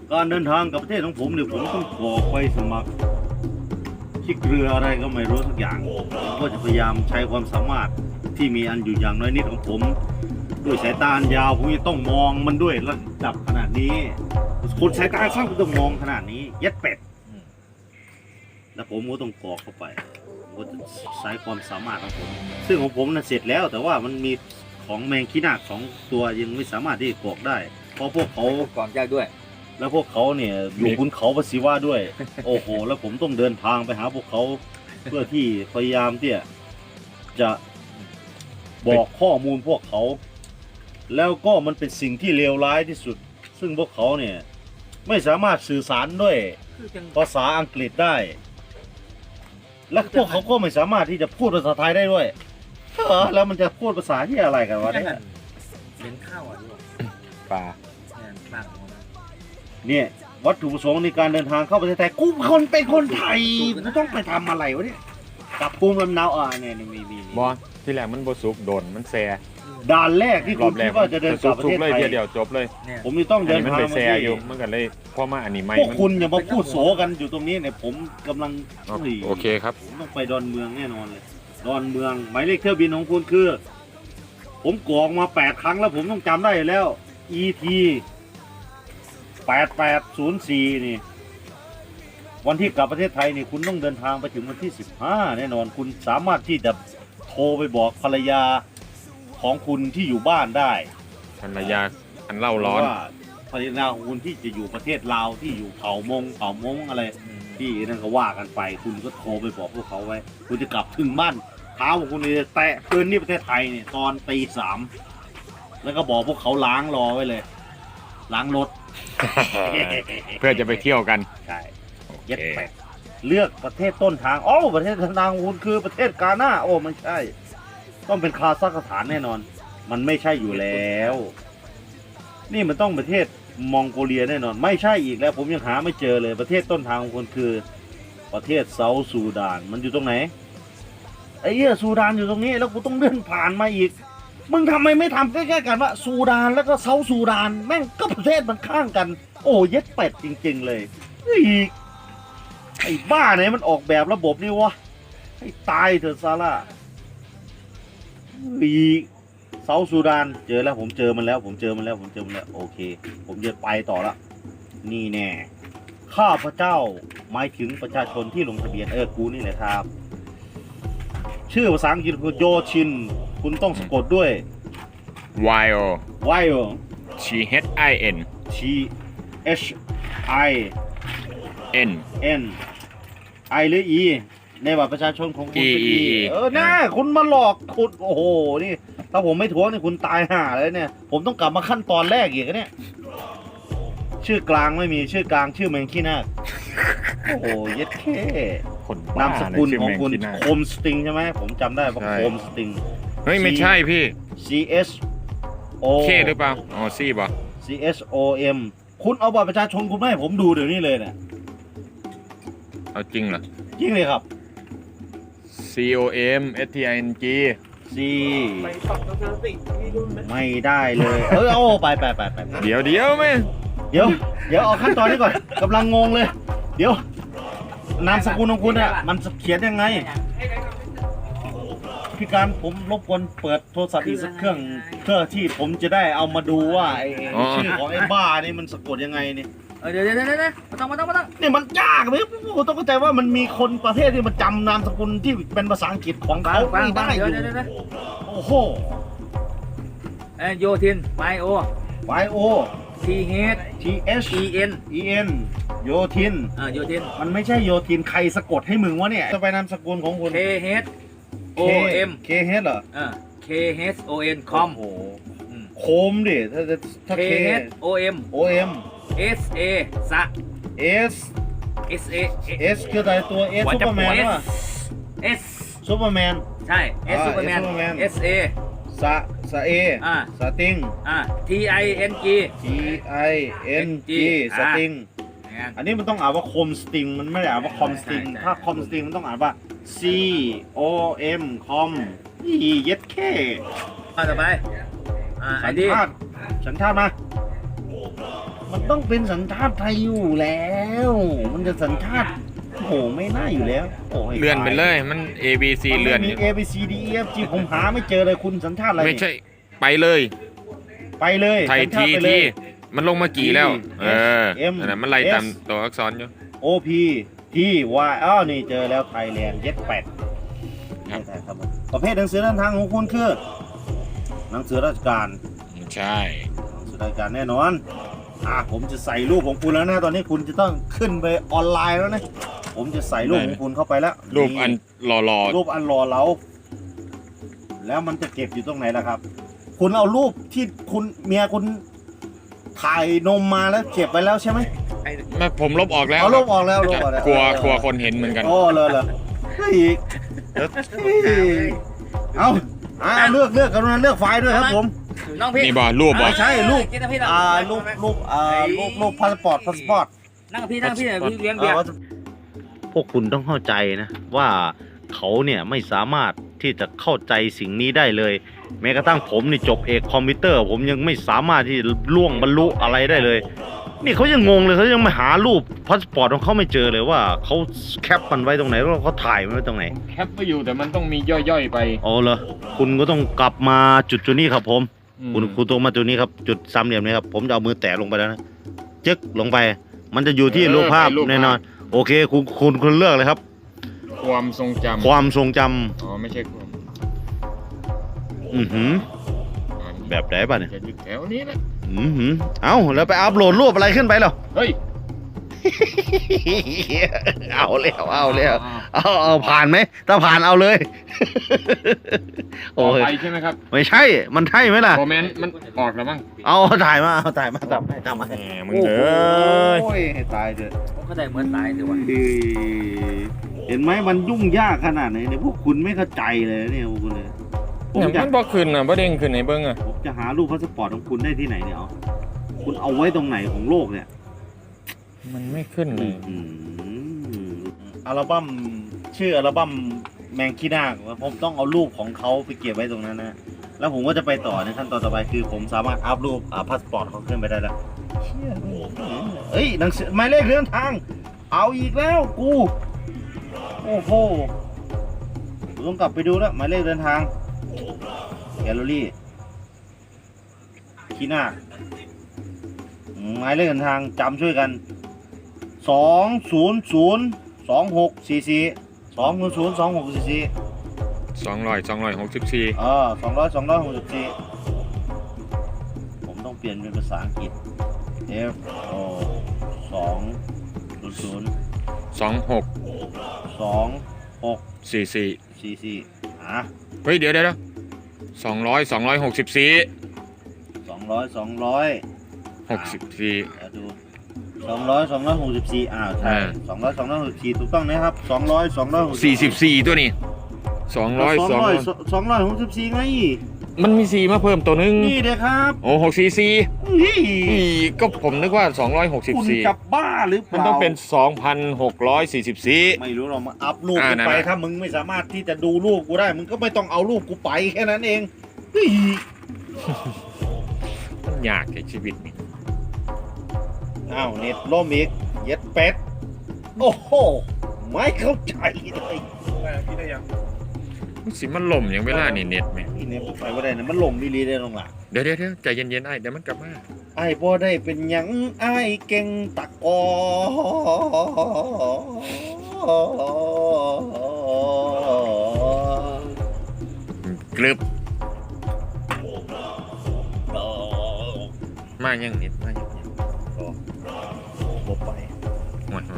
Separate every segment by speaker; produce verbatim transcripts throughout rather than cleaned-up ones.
Speaker 1: การเดินทางกับประเทศของผมเนี่ยผมต้องกรอกไปสมัครที่เกลืออะไรก็ไม่รู้สักอย่างผมก็จะพยายามใช้ความสามารถที่มีอันอยู่อย่างน้อยนิดของผมด้วยสายตาอันยาวผมจะต้องมองมันด้วยระดับขนาดนี้คนสายตาสั้นก็ต้องมองขนาดนี้ยัดเป็ดแล้วผมก็ต้องกรอกเข้าไปผมก็จะใช้ความสามารถของผมซึ่งของผมน่ะเสร็จแล้วแต่ว่ามันมีของแมงขี้นาคสองตัวยังไม่สามารถที่จะกรอกได้เพราะพวกเขา
Speaker 2: ก่อนยากด้วย
Speaker 1: แล้วพวกเขาเนี่ยอยู่บนเขาปศิวะด้วย โอ้โหแล้วผมต้องเดินทางไปหาพวกเขาเพื่อที่พยายามที่จะบอกข้อมูลพวกเขาแล้วก็มันเป็นสิ่งที่เลวร้ายที่สุดซึ่งพวกเขาเนี่ยไม่สามารถสื่อสารด้วยภาษาอังกฤษได้และพวกเขาก็ไม่สามารถที่จะพูดภาษาไทยได้ด้วยเออแล้วมันจะพูดภาษาที่อะไรกันวะเนี่ย
Speaker 2: เลี้ยงข้าวอ่ะด้วย
Speaker 3: ปลา
Speaker 2: เนี่ยปากของมัน
Speaker 1: เนี่ยวัตถุประสงค์ในการเดินทางเข้าประเทศไทยกูคนเป็นคนไทยกูต้องไปทำอะไรวะเนี่ยกลับภูมิลำเนาอ่าเนี่ยมีมีมี
Speaker 3: บอที่แรกมันบสุกโดนมันแซ
Speaker 1: ด่านแรกที่
Speaker 3: ร
Speaker 1: คุ
Speaker 3: อ
Speaker 1: ณ
Speaker 3: บแร
Speaker 1: คิ
Speaker 3: ก
Speaker 1: ดว่าจะเดินกลับประ
Speaker 3: สุ
Speaker 1: เท
Speaker 3: ก
Speaker 1: ศ
Speaker 3: เลย
Speaker 1: ไทย
Speaker 3: เทียเดียวจบเลย
Speaker 2: เนี่ย
Speaker 1: ผมจะต้อง
Speaker 3: อัน
Speaker 1: เดิน
Speaker 3: นี้มัน
Speaker 1: ทาง
Speaker 3: ไป
Speaker 1: มา
Speaker 3: แซ
Speaker 1: ที่
Speaker 3: อยู่มันก็เลยเพราะมาอันนี้ไม่
Speaker 1: พวก
Speaker 3: มัน
Speaker 1: คุณอย่ามาพูดโสกันอยู่ตรงนี้เนี่ยผมกำลัง
Speaker 3: อ๋อโอเคครับ
Speaker 1: ผมต้องไปดอนเมืองแน่นอนเลยดอนเมืองหมายเลขเที่ยวบินของคุณคือ ผมกรอกมาแปดครั้งแล้วผมต้องจำได้อยู่แล้ว อี ที แปดแปดศูนย์สี่นี่วันที่กลับประเทศไทยนี่คุณต้องเดินทางไปถึงวันที่สิบห้าแน่นอนคุณสามารถที่จะโทรไปบอกภรรยาของคุณที่อยู่บ้านได้
Speaker 3: ภรรยาอันเล่าร้อน
Speaker 1: ว่าภรรยาของคุณที่จะอยู่ประเทศลาวที่อยู่เผ่ามงเผ่ามงอะไรที่นั่นก็ว่ากันไป คุณก็โทรไปบอกพวกเขาไว้ คุณจะกลับถึงบ้านเท้าของคุณจะแตะพื้นที่ประเทศไทยเนี่ยตอนตีสามแล้วก็บอกพวกเขาล้างรอไว้เลย ล้างรถ
Speaker 3: เพื่อจะไปเที่ยวกัน
Speaker 1: ใช่
Speaker 3: โอเค
Speaker 1: เย็ดแปดเลือกประเทศต้นทางโอ้ประเทศต้นทางของคุณคือประเทศกาหน้าโอ้ไม่ใช่ ต้องเป็นคาซัคสถานแน่นอน มันไม่ใช่อยู่แล้ว นี่มันต้องประเทศมองโกเลียแน่นอน ไม่ใช่อีกแล้ว ผมยังหาไม่เจอเลย ประเทศต้นทางของคุณคือ ประเทศเซาท์ซูดาน มันอยู่ตรงไหนไอ้เหี้ยซูดานอยู่ตรงนี้ แล้วกูต้องเดินผ่านมาอีก มึงทำไมไม่ทำใกล้ๆกันว่าซูดานแล้วก็เซาท์ซูดาน แม่งก็ประเทศมันข้างกัน โอ้เย็ดเป็ดจริงๆเลยอีกไอ้บ้าไหนมันออกแบบระบบนี่วะให้ตายเถอะซาร่าอีกเซาท์ซูดานเจอแล้วผมเจอมันแล้ว ผมเจอมันแล้วผมเจอมันแล้วโอเค ผมจะไปต่อละนี่แน่ข้าพเจ้าหมายถึงประชาชนที่ลงทะเบียนเออกูนี่แหละครับ ชื่อภาษาอังกฤษคือโยชิน คุณต้องสะกดด้วย
Speaker 3: Y O
Speaker 1: Y O
Speaker 3: T H I N
Speaker 1: T H I
Speaker 3: N
Speaker 1: N I หรือ E ในบัตรประชาชนของคุณเป็น
Speaker 3: E
Speaker 1: E เออน่าคุณมาหลอกคุณโอ้โหนี่ถ้าผมไม่ทวงนี่คุณตายห่าเลยเนี่ย ผมต้องกลับมาขั้นตอนแรกอีกนะเนี่ยชื่อกลางไม่มีชื่อกลางชื่อแมงขี้นาคโอ้โหเย็ดแค่
Speaker 3: คนบ้
Speaker 1: นามสกุลของคุณ
Speaker 3: ชื่แมง
Speaker 1: โค
Speaker 3: ขี้หน้าม
Speaker 1: สติงใช่ไหมผมจำได้ว่า
Speaker 3: ใช่
Speaker 1: โคมสติง
Speaker 3: เฮ้ยไม่ใช่พี่
Speaker 1: C S O
Speaker 3: เคหรือเปล่าอ๋อซี่ป่ะ
Speaker 1: C S O M คุณเอาบัตรประชาชนคุณมาให้ผมดูเดี๋ยวนี้เลยเนี่ย
Speaker 3: เอาจริงเหรอ
Speaker 1: จริงเลยครับ
Speaker 3: C O M S T I N G
Speaker 1: C
Speaker 2: ไปปรับทัศนคติที่รุ่นไหม
Speaker 1: ไม่ได้เลย เออโอ้ไปไปไปไปไป
Speaker 3: เดี๋ยวเดี๋ยวไหม
Speaker 1: เดี๋ยว เดี๋ยวเอาขั้นตอนนี้ก่อนกำลังงงเลย เดี๋ยว นามสกุลของคุณอะมันเขียนยังไง พี่การผมรบกวนเปิดโทรศัพท์อีกสักเครื่องเพื่อที่ผมจะได้เอามาดูว่าไอ้ชื่อของไอ้บ้านี่มันสะกดยังไงนี่
Speaker 2: เออเดี๋ยวเดี๋ยวเดี๋ยวเดี๋ยวมาต้องมาต้องมาต้อง
Speaker 1: นี่มันยากไหมผมต้องเข้าใจว่ามันมีคนประเทศที่มันจำนามสกุลที่เป็นภาษาอังกฤษของ
Speaker 2: ฟัง
Speaker 1: เขา
Speaker 2: ฟัง
Speaker 1: ไม่
Speaker 2: ฟัง
Speaker 1: ได้อ
Speaker 2: เดี๋ยว
Speaker 1: ยู่
Speaker 2: เดี๋ยวเดี๋ยว
Speaker 1: โอ้โห
Speaker 2: เออโยทินไมโอ
Speaker 1: Y O
Speaker 2: T H
Speaker 1: T H
Speaker 2: E N
Speaker 1: E N โยทิน
Speaker 2: อ่าโยทิน
Speaker 1: มันไม่ใช่โยทินใครสะกดให้มึงวะเนี่ยจะไปนามสกุลของคุณ
Speaker 2: K H O M
Speaker 1: K H เหรอ
Speaker 2: อ่า K H O N com
Speaker 1: โอ้โหโคมดิถ้าถ้า
Speaker 2: K
Speaker 1: K
Speaker 2: H O M
Speaker 1: O M
Speaker 2: S A สะ
Speaker 1: S
Speaker 2: S A
Speaker 1: S คืออะไรตัว S ซูเปอร์แมนวะ
Speaker 2: S
Speaker 1: ซูเปอร์แมน
Speaker 2: ใช่ S
Speaker 1: อ่า
Speaker 2: ซูเปอร์แมน
Speaker 1: S Superman
Speaker 2: S A
Speaker 1: สะสะเอ
Speaker 2: อ่า
Speaker 1: สติง
Speaker 2: อ่า T I N G
Speaker 1: T I N G สติงอันนี้มันต้องอ่านว่าคมสติงมันไม่ได้อ่านว่าคอมสติงถ้าคอมสติงมันต้องอ่านว่า C O M คอมนี่เย็ดแค่
Speaker 2: ต่อไปอ่าไอ
Speaker 1: สัญ
Speaker 2: ดี
Speaker 1: ชาติสัญชาติมามันต้องเป็นสัญชาติไทยอยู่แล้ว มันจะสัญชาติโอ้โหไม่น่าอยู่แล้วโอ้ย
Speaker 3: เลื่อนไปเลยมัน A B C เลื่อน
Speaker 1: มี A B C D E F G ผมหาไม่เจอเลยคุณสัญชาติอะไร
Speaker 3: ไม่ใช่ไปเลย
Speaker 1: ไปเลย
Speaker 3: ไทย
Speaker 1: สัญชา
Speaker 3: ที
Speaker 1: ติไปเล
Speaker 3: ที
Speaker 1: ย
Speaker 3: มันลงมากี่แล้ว
Speaker 1: T
Speaker 3: เออ
Speaker 1: M
Speaker 3: นั่นนะมันไล่ตาม
Speaker 1: S
Speaker 3: ตัวอักษรอยู่
Speaker 1: O P T Y อ้าวนี่เจอแล้วไทยแลนด์เย็ดแปด
Speaker 3: ครับ
Speaker 1: ใช่ครับผมประเภทหนังสือเดินทางของคุณคือหนังสือราชการ
Speaker 3: ใช่
Speaker 1: หนังสือราชการแน่นอนอ่ะผมจะใส่รูปของคุณแล้วนะตอนนี้คุณจะต้องขึ้นไปออนไลน์แล้วนะผมจะใส่รูปของคุณเข้าไปแล้ว
Speaker 3: รูปอันรอรอ
Speaker 1: รูปอันรอเราแล้วมันจะเก็บอยู่ตรงไหนล่ะครับ คุณเอารูปที่คุณเมียคุณถ่ายนมมาแล้วเก็บไปแล้วใช่ไหม
Speaker 2: ไอ้
Speaker 3: ไม่ผมลบออกแล้ว
Speaker 1: เอารูปออกแล้วรูปออกแล้ว
Speaker 3: กลัวกลัวคนเห็นเหมือนกัน
Speaker 1: โอ้เลยเลยเฮ้ยเฮ้ยเอาอ่าเลือกเลือกกันนะเลือกไฟล์ด้วยครับผม
Speaker 2: น้องพี่
Speaker 3: นี่บ่รูปบ่
Speaker 1: ไม่ใช่รูป
Speaker 2: กินนะพี่
Speaker 1: อ่ารูปรูปอ่ารูปรูปพาสปอร์ตพาสปอร์ต
Speaker 2: นั่งพี่นั่งพี่เดี๋ยวพี่เลี้ยงเบียร์
Speaker 1: พวกคุณต้องเข้าใจนะว่าเขาเนี่ยไม่สามารถที่จะเข้าใจสิ่งนี้ได้เลย แม้กระทั่งผมนี่จบเอกคอมพิวเตอร์ ผมยังไม่สามารถที่ล่วงบรรลุอะไรได้เลย นี่เขายังงงเลยเขายังไม่หารูปพาสปอร์ตของเขาไม่เจอเลยว่าเขาแคปมันไว้ตรงไหนแล้วเขาถ่ายมันไว้ตรงไหน
Speaker 3: แคปไปอยู่แต่มันต้องมีย่อยๆไป
Speaker 1: อ๋อเหรอคุณก็ต้องกลับมาจุดจุดนี้ครับผม
Speaker 3: อืม
Speaker 1: คุณคุณตรงมาจุดนี้ครับจุดสามเหลี่ยมนี้ครับผมจะเอามือแตะลงไปแล้วนะจึ๊กลงไป มันจะอยู่ที่รูปภาพแน่นอนโอเคคุณคุณคุณเลือกเลยครับ
Speaker 3: ความทรงจำ
Speaker 1: ความทรงจำ
Speaker 3: อ๋อไม่ใช่ความ
Speaker 1: อือหือ
Speaker 3: อ่า
Speaker 1: แบบไหนป่ะเนี่ย
Speaker 3: จะอยู่แถวนี้แหละ
Speaker 1: อือหือเอ้าแล้วไปอัพโหลดรูปอะไรขึ้นไปเหรอ
Speaker 3: เฮ้ย
Speaker 1: เอาแล้วเอาแล้วเอาเอาผ่านไหมถ้าผ่านเอาเลย
Speaker 3: ต่อ
Speaker 1: โอ้ย
Speaker 3: ไปใช่ไหมครับ
Speaker 1: ไม่ใช่มันใช่ไหมล่ะ
Speaker 3: คอมเมนต์มันออกแล้วมั้ง
Speaker 1: เอาถ่ายมาเอาถ่ายมาทำให้ทำให้
Speaker 3: แหมมึงเอ้ย
Speaker 1: โอ้ยให้ตายเถอะ
Speaker 2: ผมเข้าใจเหมือนตายเดี๋ยววะ
Speaker 1: เฮ้ยเห็นไหมมันยุ่งยากขนาดไหนเนี่ยพวกคุณไม่เข้าใจเลยเนี่ยพวกคุณเลยผม
Speaker 3: เนี่ย
Speaker 1: จะ
Speaker 3: มันบอกขึ้นอ่ะบ่เด้งขึ้นในเบิ้งอ่ะ
Speaker 1: ผมจะหารูปพาสปอร์ตของคุณได้ที่ไหนเนี่ยเอาคุณเอาไว้ตรงไหนของโลกเนี่ย
Speaker 3: มันไม่ขึ้นเลย
Speaker 1: อืมอัลบั้มชื่ออัลบั้มแมงคีนาคผมต้องเอารูปของเขาไปเก็บไว้ตรงนั้นนะแล้วผมก็จะไปต่อในขั้นตอนต่อไปคือผมสามารถอัพรูปอ่าพาสปอร์ตเขาขึ้นไปได้แล้วเชี่ยเอ้ยหนังสือหมายเลขเดินทาง เอาอีกแล้วกูโอ้โหผมต้องกลับไปดูแล้วหมายเลขเดินทางแกลเลอรี่คีนาคหมายเลขเดินทางจำช่วยกันสองศูนย์ศูนย์สองหกสี่สี่สองศูนย์ศูนย์สองหกสี่สี่
Speaker 3: สองร้อยสองร้อยหกสิบสี่
Speaker 1: เออสองร้อยสองร้อยหกสิบสี่ผมต้องเปลี่ยนเป็นภาษาอังกฤษ F O สองศูนย์ศูนย์
Speaker 3: สองหก
Speaker 1: สองหก
Speaker 3: สี่สี่
Speaker 1: สี่สี่อ่ะ
Speaker 3: เฮ้ยเดี๋ยวเดี๋ยวสองร้อยสองร้อยหกสิบสี่
Speaker 1: สองร้อยสองร้อย
Speaker 3: หกสิบสี่
Speaker 1: เดี๋ยวดูสองร้อยสองร้อยหกสิบสี่อ้าวใช่
Speaker 3: อ่า
Speaker 1: สองร้อยสองร้อยหกสิบสี่ถูกต้องนะครับสองร้อยสองร้อยหก
Speaker 3: สี่สิบสี่ตัวนี้สองร้อย
Speaker 1: สอง
Speaker 3: สอง
Speaker 1: ร้
Speaker 3: ร้
Speaker 1: อ
Speaker 3: อย ย
Speaker 1: สองร้อยหกสิบสี่ไง
Speaker 3: มันมีสี่มาเพิ่มตัวนึง
Speaker 1: นี่เด้ครับ
Speaker 3: โอ้หกสี่สี่
Speaker 1: นี่
Speaker 3: อีก็ผมนึกว่าสองร้อยหกสิบ
Speaker 1: คุณ
Speaker 3: สี่
Speaker 1: จะบ้าหรือเป
Speaker 3: มัน
Speaker 1: ล่า
Speaker 3: ต้องเป็นสองพันหกร้อยสี่สิบสี่
Speaker 1: ไม่รู้เรามาอัพรูป
Speaker 3: อ่า
Speaker 1: กู
Speaker 3: นั่น
Speaker 1: ไป
Speaker 3: น่ะ
Speaker 1: ถ้ามึงไม่สามารถที่จะดูรูปกูได้ มึงก็ไม่ต้องเอารูปกูไปแค่นั้นเองเฮ้ย
Speaker 3: มันยากในชีวิตนี่
Speaker 1: อ้าวเน็ตล่มอีกเย็ดเป็ดโอ้โหไม่เข้าใจเลย
Speaker 2: พี่ได้ยัง
Speaker 3: สิมันล่มอย่างเวลานี่เน็ตไหม
Speaker 1: นี่เน็ตไปไม่ได้นะมันลงดีลีได้ลงหลัง
Speaker 3: เดี๋ยวเดี๋ยวเดี๋ยวใจเย็นๆไอ้เดี๋ยวมันกลับมา
Speaker 1: ไอ้บ่ได้เป็นหยังไอ้เก่งตะกอ
Speaker 3: กรึบมายังเน็ตมายัง
Speaker 1: บ่ไป
Speaker 3: หมด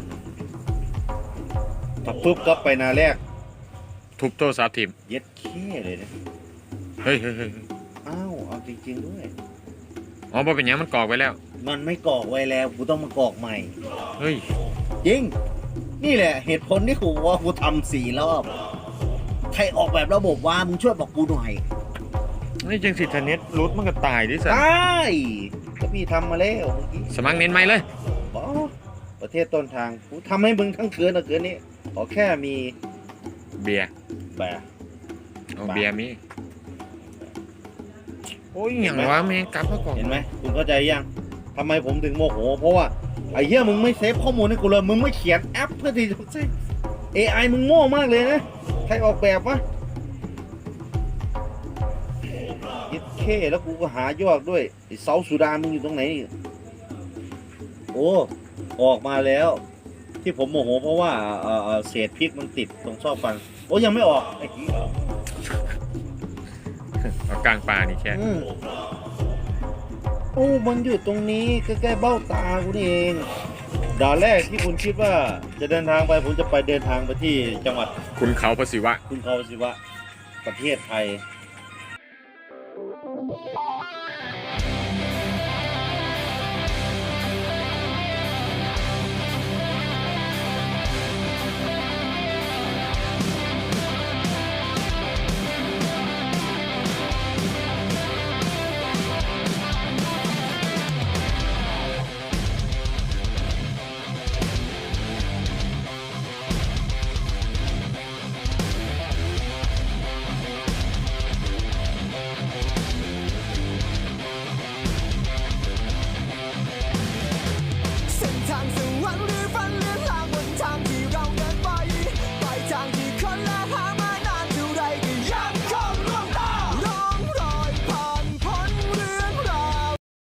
Speaker 1: ถ้าปุ๊บก็ไปนาแรก
Speaker 3: ทุบโทรศัพท์ทีม
Speaker 1: เย็ดแค่เลยนะ
Speaker 3: เฮ้ยเฮ้ยเฮ้ย
Speaker 1: อ้าวเอาจริงๆด้วย
Speaker 3: อ๋อบ่เป็นหยังมันกรอกไว้แล้ว
Speaker 1: มันไม่กรอกไว้แล้วกูต้องมากรอกใหม่
Speaker 3: เฮ้ย
Speaker 1: จริง นี่แหละเหตุผลที่กูว่ากูทำสี่รอบ ใครออกแบบระบบว่ามึงช่วยบอกกูหน่อย
Speaker 3: นี่จังสิทเน็ตรุดมันก็ตายดิสั
Speaker 1: ได้ ก็พี่ทำมาแล้วเมื่อกี้
Speaker 3: สมัครเน็ตใหม่เลย
Speaker 1: บอประเทศต้นทางกูทำให้มึงทั้งคืนนะคืนนี้ขอแค่มี
Speaker 3: เบียร์
Speaker 1: แบบ
Speaker 3: เอา
Speaker 1: บ้า
Speaker 3: เบียร์มีโอ้ยอย่างวะแม่งกลับมาก่อน
Speaker 1: เห็นไหมคุณเข้าใจยังทำไมผมถึงโมโห เพราะว่าไอ้เหี้ยมึงไม่เซฟข้อมูลให้กูเลยมึงไม่เขียนแอปเพื่อที่จะใช้ เอ ไอ มึงโง่มากเลยนะใครออกแบบวะยึดเคแล้วกูก็หายอดด้วยไอ้เซาสุดานมึงอยู่ตรงไหนนี่โอ้ออกมาแล้ว ที่ผมโมโหเพราะว่าเอ่อเอ่อเศษพริกมันติดตรงซอกฟันโอ้ยังไม่ออกไอ้ขี้
Speaker 3: เอากลางปลานี่แค่
Speaker 1: อืมโอ้มันอยู่ตรงนี้ใกล้ๆเบ้าตากูนี่เองด่านแรกที่คุณคิดว่าจะเดินทางไปผมจะไปเดินทางไปที่จังหวัด
Speaker 3: คุณเขาประสิวะ
Speaker 1: คุณเขาสิวะประเทศไทย